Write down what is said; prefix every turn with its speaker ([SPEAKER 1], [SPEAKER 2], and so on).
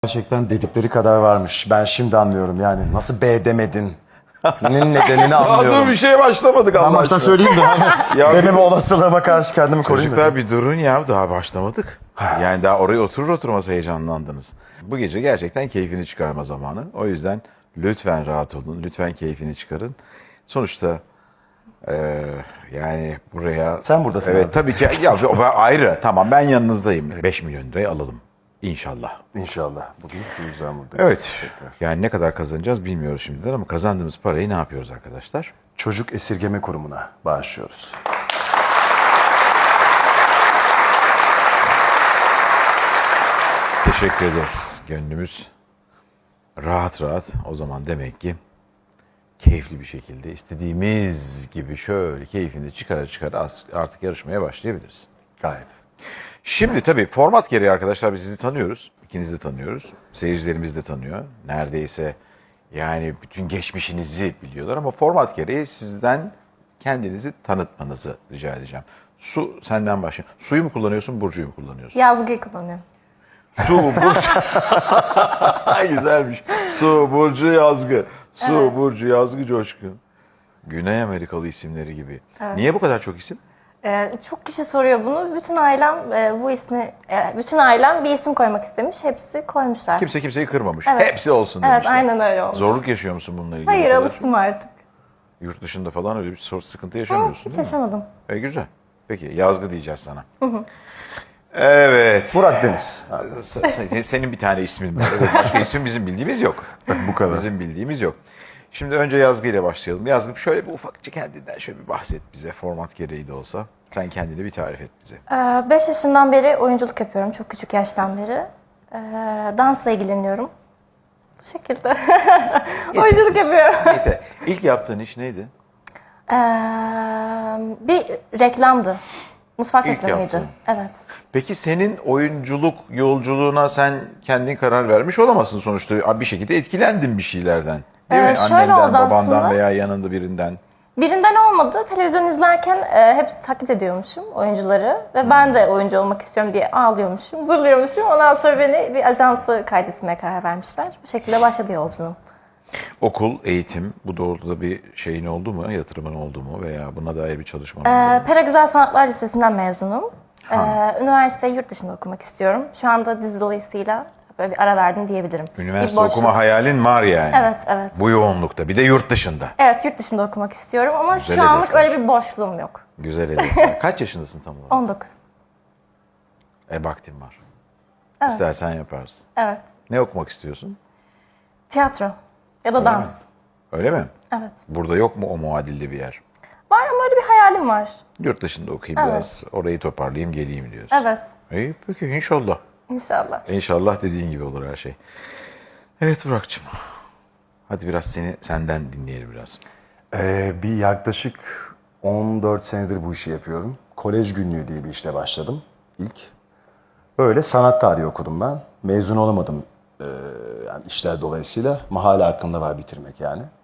[SPEAKER 1] Gerçekten dedikleri kadar varmış. Ben şimdi anlıyorum yani. Nasıl B demedin? Bunun nedenini
[SPEAKER 2] Daha dur
[SPEAKER 1] anlıyorum.
[SPEAKER 2] bir şeye başlamadık
[SPEAKER 1] Ben
[SPEAKER 2] Allah
[SPEAKER 1] baştan
[SPEAKER 2] aşkına.
[SPEAKER 1] söyleyeyim de hani
[SPEAKER 2] Ya
[SPEAKER 1] dememe olasılığıma karşı kendimi koruyayım
[SPEAKER 2] Çocuklar
[SPEAKER 1] dedim.
[SPEAKER 2] bir durun ya, daha başlamadık. Yani daha oraya oturur oturmaz heyecanlandınız. Bu gece gerçekten keyfini çıkarma zamanı. O yüzden lütfen rahat olun, lütfen keyfini çıkarın. Sonuçta yani buraya...
[SPEAKER 1] Sen buradasın
[SPEAKER 2] Evet
[SPEAKER 1] abi.
[SPEAKER 2] tabii ki ya, ayrı, tamam, ben yanınızdayım. 5 milyon lirayı alalım inşallah.
[SPEAKER 1] İnşallah. Bugün bu yüzden buradayız.
[SPEAKER 2] Evet, yani ne kadar kazanacağız bilmiyoruz şimdiden ama kazandığımız parayı ne yapıyoruz arkadaşlar?
[SPEAKER 1] Çocuk Esirgeme Kurumu'na bağışlıyoruz.
[SPEAKER 2] Teşekkür ederiz. Gönlümüz rahat rahat. O zaman demek ki keyifli bir şekilde istediğimiz gibi şöyle keyfini çıkara çıkara artık yarışmaya başlayabiliriz.
[SPEAKER 1] Gayet.
[SPEAKER 2] Şimdi tabii format gereği arkadaşlar biz sizi tanıyoruz. İkinizi de tanıyoruz. Seyircilerimiz de tanıyor. Neredeyse yani bütün geçmişinizi biliyorlar ama format gereği sizden kendinizi tanıtmanızı rica edeceğim. Su, senden başlayalım. Suyu mu kullanıyorsun, Burcu'yu mu kullanıyorsun?
[SPEAKER 3] Yazgıyı kullanıyorum.
[SPEAKER 2] Su, Burcu. Güzelmiş. Su, Burcu, Yazgı. Su,
[SPEAKER 3] Evet.
[SPEAKER 2] Burcu, Yazgı, Coşkun. Güney Amerikalı isimleri gibi. Niye bu kadar çok isim?
[SPEAKER 3] Çok kişi soruyor bunu. Bütün ailem bu ismi, bütün ailem bir isim koymak istemiş. Hepsi koymuşlar.
[SPEAKER 2] Kimse kimseyi kırmamış.
[SPEAKER 3] Evet.
[SPEAKER 2] Hepsi olsun
[SPEAKER 3] Evet,
[SPEAKER 2] demişler.
[SPEAKER 3] aynen öyle olmuş.
[SPEAKER 2] Zorluk yaşıyor musun bununla ilgili?
[SPEAKER 3] Hayır,
[SPEAKER 2] bu kadar?
[SPEAKER 3] alıştım artık.
[SPEAKER 2] Yurt dışında falan öyle bir sıkıntı yaşamıyorsun
[SPEAKER 3] Hiç
[SPEAKER 2] değil mi?
[SPEAKER 3] yaşamadım.
[SPEAKER 2] Güzel. Peki, Yazgı diyeceğiz sana. Evet.
[SPEAKER 1] Burak Deniz.
[SPEAKER 2] Senin bir tane ismin var. Evet, başka isim bizim bildiğimiz yok.
[SPEAKER 1] Bu kadar.
[SPEAKER 2] Bizim bildiğimiz yok. Şimdi önce Yazgı ile başlayalım. Yazgı şöyle bir ufakça kendinden şöyle bir bahset bize. Format gereği de olsa. Sen kendini bir tarif et bize.
[SPEAKER 3] 5 yaşından beri oyunculuk yapıyorum. Çok küçük yaştan beri. Dansla ilgileniyorum. Bu şekilde. Oyunculuk yapıyorum.
[SPEAKER 2] Yeter. İlk yaptığın iş neydi?
[SPEAKER 3] Bir reklamdı. Mutfak
[SPEAKER 2] İlk
[SPEAKER 3] reklamıydı.
[SPEAKER 2] yaptığın.
[SPEAKER 3] Evet.
[SPEAKER 2] Peki senin oyunculuk yolculuğuna sen kendin karar vermiş olamazsın sonuçta. Bir şekilde etkilendin bir şeylerden. Değil mi?
[SPEAKER 3] Şöyle
[SPEAKER 2] Annenden,
[SPEAKER 3] oldu
[SPEAKER 2] babandan
[SPEAKER 3] aslında.
[SPEAKER 2] veya yanında birinden.
[SPEAKER 3] Birinden olmadı. Televizyon izlerken hep taklit ediyormuşum oyuncuları. Ve ben de oyuncu olmak istiyorum diye ağlıyormuşum, zırlıyormuşum. Ondan sonra beni bir ajansı kaydetmeye karar vermişler. Bu şekilde başladı yolculuğum.
[SPEAKER 2] Okul, eğitim, bu doğrultuda bir şeyin oldu mu? Yatırımın oldu mu? Veya buna dair bir çalışman oldu mu?
[SPEAKER 3] Pera Güzel Sanatlar Lisesi'nden mezunum. Üniversiteyi yurt dışında okumak istiyorum. Şu anda dizi dolayısıyla böyle bir ara verdim diyebilirim.
[SPEAKER 2] Üniversite
[SPEAKER 3] Bir boşluk.
[SPEAKER 2] okuma hayalin var yani.
[SPEAKER 3] Evet, evet.
[SPEAKER 2] Bu yoğunlukta. Bir de yurt dışında.
[SPEAKER 3] Evet, yurt dışında okumak istiyorum ama
[SPEAKER 2] Güzel
[SPEAKER 3] şu anlık
[SPEAKER 2] hedefler.
[SPEAKER 3] öyle bir boşluğum yok.
[SPEAKER 2] Güzel hedefler. Kaç yaşındasın tam olarak?
[SPEAKER 3] 19.
[SPEAKER 2] Vaktin var. İstersen yaparsın.
[SPEAKER 3] Evet.
[SPEAKER 2] Ne okumak istiyorsun?
[SPEAKER 3] Tiyatro ya da dans.
[SPEAKER 2] Öyle mi?
[SPEAKER 3] Evet.
[SPEAKER 2] Burada yok mu o muadilli bir yer?
[SPEAKER 3] Var ama öyle bir hayalim var.
[SPEAKER 2] Yurt dışında okuyayım
[SPEAKER 3] Evet.
[SPEAKER 2] biraz, orayı toparlayayım geleyim diyorsun.
[SPEAKER 3] Evet.
[SPEAKER 2] İyi, peki inşallah.
[SPEAKER 3] İnşallah.
[SPEAKER 2] İnşallah dediğin gibi olur her şey. Evet Burak'cığım. Hadi biraz senden dinleyelim biraz.
[SPEAKER 1] Bir yaklaşık 14 senedir bu işi yapıyorum. Kolej Günlüğü diye bir işle başladım ilk. Böyle sanat tarihi okudum ben. Mezun olamadım yani işler dolayısıyla. Ama hala aklımda var bitirmek yani.